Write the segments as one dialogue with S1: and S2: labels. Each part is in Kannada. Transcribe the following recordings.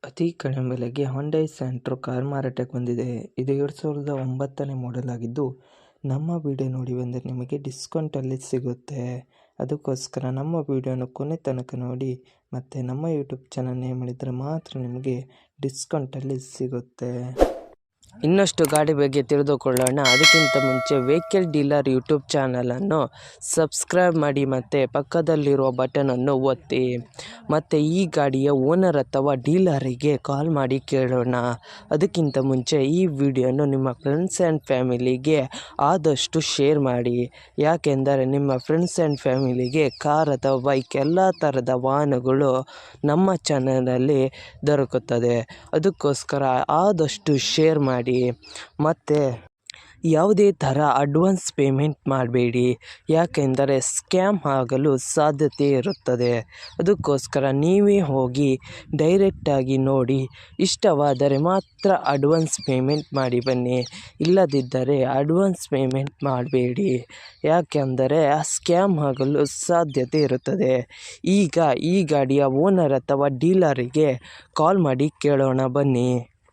S1: ಅತಿ ಕಡಿಮೆ ಬೆಲೆಗೆ ಹೊಂಡೈ ಸೆಂಟ್ರೋ ಕಾರ್ ಮಾರಾಟಕ್ಕೆ ಬಂದಿದೆ. ಇದು 2009ನೇ ಮಾಡೆಲ್ ಆಗಿದ್ದು, ನಮ್ಮ ವಿಡಿಯೋ ನೋಡಿ ಬಂದರೆ ನಿಮಗೆ ಡಿಸ್ಕೌಂಟಲ್ಲಿ ಸಿಗುತ್ತೆ. ಅದಕ್ಕೋಸ್ಕರ ನಮ್ಮ ವಿಡಿಯೋನ ಕೊನೆ ತನಕ ನೋಡಿ ಮತ್ತು ನಮ್ಮ ಯೂಟ್ಯೂಬ್ ಚಾನಲ್ ನೇಮ್ ಮಾಡಿದರೆ ಮಾತ್ರ ನಿಮಗೆ ಡಿಸ್ಕೌಂಟಲ್ಲಿ ಸಿಗುತ್ತೆ. ಇನ್ನಷ್ಟು ಗಾಡಿ ಬಗ್ಗೆ ತಿಳಿದುಕೊಳ್ಳೋಣ. ಅದಕ್ಕಿಂತ ಮುಂಚೆ ವೆಹಿಕಲ್ ಡೀಲರ್ ಯೂಟ್ಯೂಬ್ ಚಾನಲನ್ನು ಸಬ್ಸ್ಕ್ರೈಬ್ ಮಾಡಿ ಮತ್ತು ಪಕ್ಕದಲ್ಲಿರುವ ಬಟನನ್ನು ಒತ್ತಿ. ಮತ್ತು ಈ ಗಾಡಿಯ ಓನರ್ ಅಥವಾ ಡೀಲರಿಗೆ ಕಾಲ್ ಮಾಡಿ ಕೇಳೋಣ. ಅದಕ್ಕಿಂತ ಮುಂಚೆ ಈ ವಿಡಿಯೋನು ನಿಮ್ಮ ಫ್ರೆಂಡ್ಸ್ ಆ್ಯಂಡ್ ಫ್ಯಾಮಿಲಿಗೆ ಆದಷ್ಟು ಶೇರ್ ಮಾಡಿ. ಯಾಕೆಂದರೆ ನಿಮ್ಮ ಫ್ರೆಂಡ್ಸ್ ಆ್ಯಂಡ್ ಫ್ಯಾಮಿಲಿಗೆ ಕಾರ್ ಅಥವಾ ಬೈಕ್ ಎಲ್ಲ ಥರದ ವಾಹನಗಳು ನಮ್ಮ ಚಾನಲಲ್ಲಿ ದೊರಕುತ್ತದೆ. ಅದಕ್ಕೋಸ್ಕರ ಆದಷ್ಟು ಶೇರ್ ಮಾಡಿ. ಮತ್ತು ಯಾವುದೇ ಥರ ಅಡ್ವಾನ್ಸ್ ಪೇಮೆಂಟ್ ಮಾಡಬೇಡಿ, ಯಾಕೆಂದರೆ ಸ್ಕ್ಯಾಮ್ ಆಗಲು ಸಾಧ್ಯತೆ ಇರುತ್ತದೆ. ಅದಕ್ಕೋಸ್ಕರ ನೀವೇ ಹೋಗಿ ಡೈರೆಕ್ಟಾಗಿ ನೋಡಿ, ಇಷ್ಟವಾದರೆ ಮಾತ್ರ ಅಡ್ವಾನ್ಸ್ ಪೇಮೆಂಟ್ ಮಾಡಿ ಬನ್ನಿ. ಇಲ್ಲದಿದ್ದರೆ ಅಡ್ವಾನ್ಸ್ ಪೇಮೆಂಟ್ ಮಾಡಬೇಡಿ, ಯಾಕೆಂದರೆ ಸ್ಕ್ಯಾಮ್ ಆಗಲು ಸಾಧ್ಯತೆ ಇರುತ್ತದೆ. ಈಗ ಈ ಗಾಡಿಯ ಓನರ್ ಅಥವಾ ಡೀಲರಿಗೆ ಕಾಲ್ ಮಾಡಿ ಕೇಳೋಣ ಬನ್ನಿ.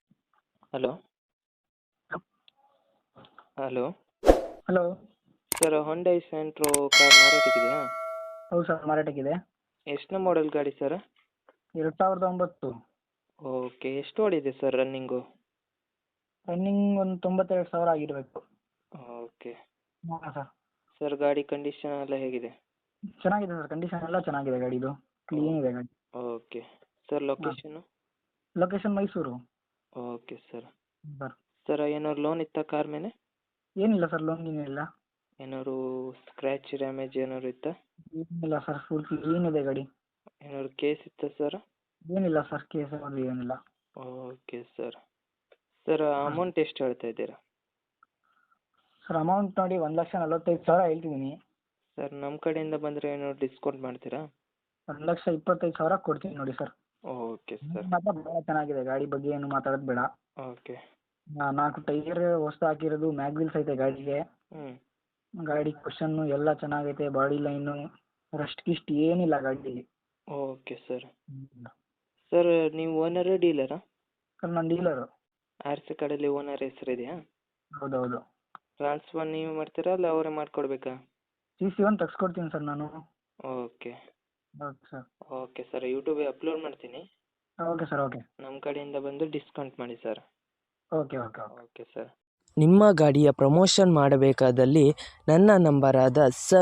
S1: Hello
S2: hello
S1: sir, Hyundai Santro car ಮಾರಾಟಕ್ಕಿದೆಯಾ?
S2: ಹೌದು ಸರ್, ಮಾರಾಟಕ್ಕಿದೆ.
S1: ಎಷ್ಟನೇ ಮಾಡೆಲ್ ಗಾಡಿ ಸರ್?
S2: 2009.
S1: ಓಕೆ, ಎಷ್ಟು ಓಡಿದೆ ಸರ್ ರನ್ನಿಂಗು?
S2: ರನ್ನಿಂಗ್ ಒಂದು 92,000 ಆಗಿರಬೇಕು.
S1: ಓಕೆ
S2: ಹಾಂ ಸರ್.
S1: ಸರ್, ಗಾಡಿ ಕಂಡೀಷನ್ ಎಲ್ಲ ಹೇಗಿದೆ?
S2: ಚೆನ್ನಾಗಿದೆ ಸರ್, ಕಂಡೀಷನ್ ಎಲ್ಲ ಚೆನ್ನಾಗಿದೆ ಗಾಡಿದು, ಕ್ಲೀನ್ ಇದೆ ಗಾಡಿ.
S1: ಓಕೆ ಸರ್, ಲೊಕೇಶನ್ನು?
S2: Location Mysuru.
S1: Okay sir.
S2: Sir
S1: sir, ಏನಾದ್ರು ಲೋನ್ ಇತ್ತಾ ಕಾರ್ ಮೇಲೆ?
S2: ಏನಿಲ್ಲ ಸರ್, ಲೋನ್ ಏನಿಲ್ಲ.
S1: ಏನಾದ್ರು ಸ್ಕ್ರ್ಯಾಚ್ ಡ್ಯಾಮೇಜ್ ಏನಾದ್ರು ಇತ್ತಾ?
S2: ಏನಿಲ್ಲ ಸರ್, ಫುಲ್ ಕ್ಲೀನ್ ಇದೆ ಗಾಡಿ.
S1: ಏನಾದ್ರು ಕೇಸ್ ಇತ್ತಾ ಸರ್?
S2: ಏನಿಲ್ಲ ಸರ್, ಕೇಸ್ ಅದು ಏನಿಲ್ಲ.
S1: Okay sir. ಸರ್, ಅಮೌಂಟ್ ಎಷ್ಟು ಹೇಳ್ತಾ ಇದ್ದೀರಾ?
S2: ಸರ್, ಅಮೌಂಟ್ ನೋಡಿ 1,45,000 ಹೇಳ್ತಿದ್ದೀನಿ.
S1: ಸರ್, ನಮ್ಮ ಕಡೆಯಿಂದ ಬಂದರೆ ಏನಾದ್ರು ಡಿಸ್ಕೌಂಟ್ ಮಾಡ್ತೀರಾ?
S2: 1,25,000 ಕೊಡ್ತೀನಿ ನೋಡಿ ಸರ್.
S1: Okay sir.
S2: ಮಾತ್ರ ಭಾಳ ಚೆನ್ನಾಗಿದೆ ಗಾಡಿ, ಬಗ್ಗೆ ಏನು ಮಾತಾಡೋದು ಬೇಡ.
S1: ಓಕೆ.
S2: 4 ಟೈರ್ ಹೊಸ್ದು ಹಾಕಿರೋದು, ಮ್ಯಾಗ್ವಿಲ್ಸ್ ಐತೆ ಗಾಡಿಗೆ. ಗಾಡಿ ಕ್ವಶನ್ನು ಎಲ್ಲ ಚೆನ್ನಾಗೈತೆ, ಬಾಡಿ ಲೈನು, ರಸ್ಟ್ ಗಿಸ್ಟ್ ಏನಿಲ್ಲ ಗಾಡಿಗೆ.
S1: Okay sir. ಸರ್, ನೀವು ಓನರಾ ಡೀಲರಾ?
S2: ಸರ್, ನಾನು ಡೀಲರು.
S1: RC ಕಾರ್ಡಲ್ಲಿ ಓನರ್ ಹೆಸರಿದೆಯಾ?
S2: ಹೌದೌದು.
S1: ಟ್ರಾನ್ಸ್ಫರ್ ನೀವು ಮಾಡ್ತೀರಾ ಅಲ್ಲ ಅವರೇ ಮಾಡಿಕೊಡ್ಬೇಕಾ?
S2: CC1 ತೆಗ್ಸ್ಕೊಡ್ತೀನಿ ಸರ್ ನಾನು.
S1: Okay.
S2: Okay sir.
S1: Okay sir, ಯೂಟ್ಯೂಬಿಗೆ ಅಪ್ಲೋಡ್ ಮಾಡ್ತೀನಿ.
S2: Okay sir, okay.
S1: ನಮ್ಮ ಕಡೆಯಿಂದ ಬಂದು ಡಿಸ್ಕೌಂಟ್ ಮಾಡಿ sir.
S2: Okay okay okay.
S1: Okay sir. ನಿಮ್ಮ ಗಾಡಿಯ ಪ್ರಮೋಷನ್ ಮಾಡಬೇಕಾದಲ್ಲಿ ನನ್ನ ನಂಬರಾದ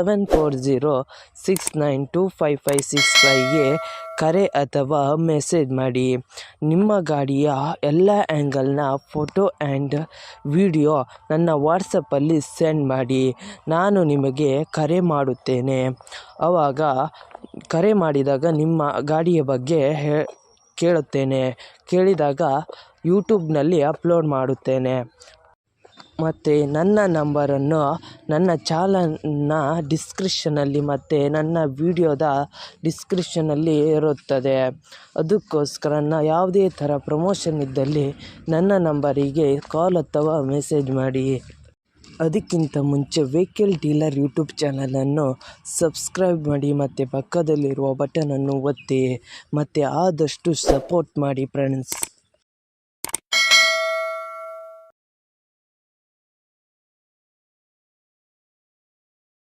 S1: 7406925565ಗೆ ಕರೆ ಅಥವಾ ಮೆಸೇಜ್ ಮಾಡಿ. ನಿಮ್ಮ ಗಾಡಿಯ ಎಲ್ಲ ಆ್ಯಂಗಲ್ನ ಫೋಟೋ ಆ್ಯಂಡ್ ವಿಡಿಯೋ ನನ್ನ ವಾಟ್ಸಪ್ಪಲ್ಲಿ ಸೆಂಡ್ ಮಾಡಿ. ನಾನು ನಿಮಗೆ ಕರೆ ಮಾಡುತ್ತೇನೆ. ಆವಾಗ ಕರೆ ಮಾಡಿದಾಗ ನಿಮ್ಮ ಗಾಡಿಯ ಬಗ್ಗೆ ಕೇಳಿದಾಗ ಯೂಟ್ಯೂಬ್ನಲ್ಲಿ ಅಪ್ಲೋಡ್ ಮಾಡುತ್ತೇನೆ. ಮತ್ತು ನನ್ನ ನಂಬರನ್ನು ನನ್ನ ಚಾನಲ್ನ ಡಿಸ್ಕ್ರಿಪ್ಷನಲ್ಲಿ ಮತ್ತು ನನ್ನ ವಿಡಿಯೋದ ಡಿಸ್ಕ್ರಿಪ್ಷನಲ್ಲಿ ಇರುತ್ತದೆ. ಅದಕ್ಕೋಸ್ಕರ ಯಾವುದೇ ಥರ ಪ್ರಮೋಷನ್ ಇದ್ದಲ್ಲಿ ನನ್ನ ನಂಬರಿಗೆ ಕಾಲ್ ಅಥವಾ ಮೆಸೇಜ್ ಮಾಡಿ. ಅದಕ್ಕಿಂತ ಮುಂಚೆ ವೆಹಿಕಲ್ ಡೀಲರ್ ಯೂಟ್ಯೂಬ್ ಚಾನಲನ್ನು ಸಬ್ಸ್ಕ್ರೈಬ್ ಮಾಡಿ ಮತ್ತು ಪಕ್ಕದಲ್ಲಿರುವ ಬಟನನ್ನು ಒತ್ತಿ ಮತ್ತು ಆದಷ್ಟು ಸಪೋರ್ಟ್ ಮಾಡಿ ಫ್ರೆಂಡ್ಸ್.